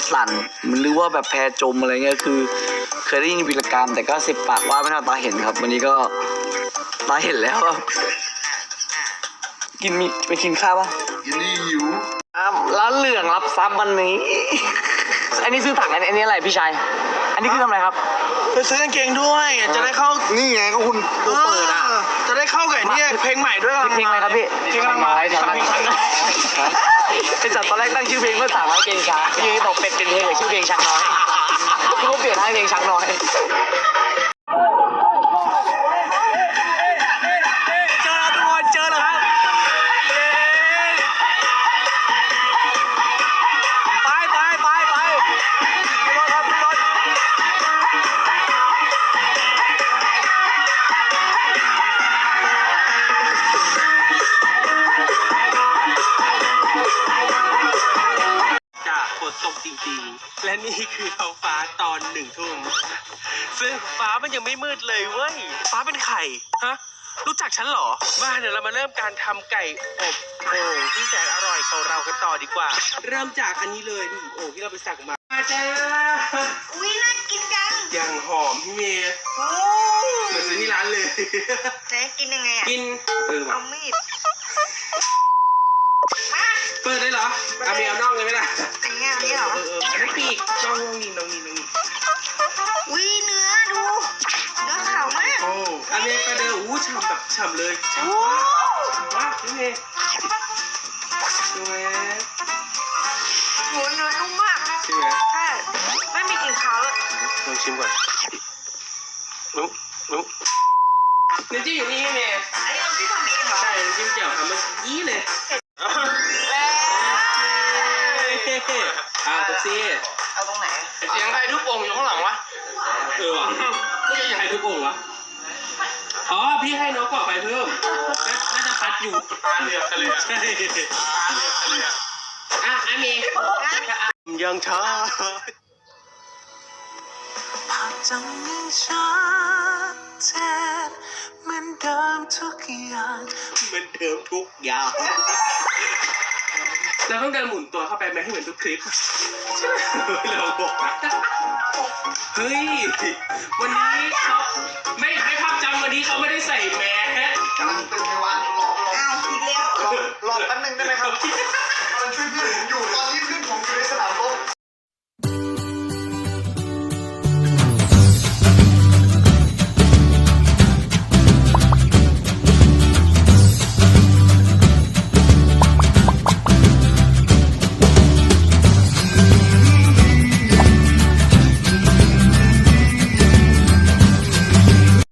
สั่นมันหรือว่าแบบแพจมอะไรเงี้ยคือเคยได้ยินวีรกรรมแต่ก็10 ปากว่าไม่เท่าตาเห็นครับวันนี้ก็ตาเห็นแล้วครับกินมีไปกินข้าวปะยินดีหิวร้านเหลืองรับทรัพย์วันนี้ อันนี้ซื้อถังอันนี้อะไรพี่ชายอันนี้คือทำอะไรครับไปซื้อกางเกงด้วยจะได้เข้านี่ไงก็คุณเปิดอ่ะจะได้เข้ากับเนี่ยเพลงใหม่ด้วยเพลงอะไรครับพี่เพลงกำลังมาไอ้จัดตอนแรกตั้งชื่อเพลงเพื่อ300เพลงช้างที่บอกเป็ดเป็นเพลงหรือชื่อเพลงช้างน้อยที่เขาเปลี่ยนให้เพลงช้างน้อยเจอแล้วทุกคนเจอแล้วครับไปรถครับรถจะฝนตกจริงๆและนี่คือท้องฟ้าตอน1 ทุ่มซึ่งฟ้ามันยังไม่มืดเลยเว้ยฟ้าเป็นไข่ฮะรู้จักฉันเหรอมาเดี๋ยวเรามาเริ่มการทำไก่อบโอ่งที่แสนอร่อยของเรากันต่อดีกว่า เริ่มจากอันนี้เลยนี่โอ่งที่เราไปสั่งมาจ้าอุ้ยน่ากินจังอย่างหอมพี่เมย์โอ้เหมือนซื้อที่ร้านเลยจะกินยังไงอ่ะกินว่ะเอามีดมาเปิดได้เหรอเอาเมียเอาน่องเลยไหมล่ะอันนี้เหรออันนี้ปีกน่องนี่อุ้ยเนื้อดูเนื้อขาวมากโอ้อันนี้ก็เดินอู้ฉ่ำแบบฉ่ำเลยฉ่ำโอ้มากพี่เมย์ดูไหมโหเนื้อนุ่มมากใช่ไหมใช่ไม่มีกลิ่นคาวเลยลองชิมก่อนนุ๊กน้ำจิ้มอยู่นี่พี่เมย์อันนี้เราที่ทำเองเหรอใช่น้ำจิ้มเจียวทำเมื่อกี้เลยตุ๊กซี่เอาตรงไหนเสียงใครทุบโป่งอยู่ข้างหลังวะว่ะไม่ใช่ใครทุบโป่งวะอ๋อพี่ให้นกกว่าไปเพิ่มน่าจะพัดอยู่ตาเหลือกกันเลยใช่ตาเหลือกกันเลยอ่ะอันนี้ยังช้าภาพจำยังชัดเจนเหมือนเดิมทุกอย่างเหมือนเดิมทุกอย่างเราต้องเดินหมุนตัวเข้าไปไหมให้เหมือนทุกคลิปใช่ไหมเราบอกนะเฮ้ยวันนี้เขาไม่ภาพจำวันนี้เขาไม่ได้ใส่แมสกำลังตึงในวันรออ้าวอีกแล้วแป๊บนึงได้ไหมครับกำลังช่วยเพื่อนผมอยู่ตอนนี้เพื่อนผมอยู่ในสนามรบ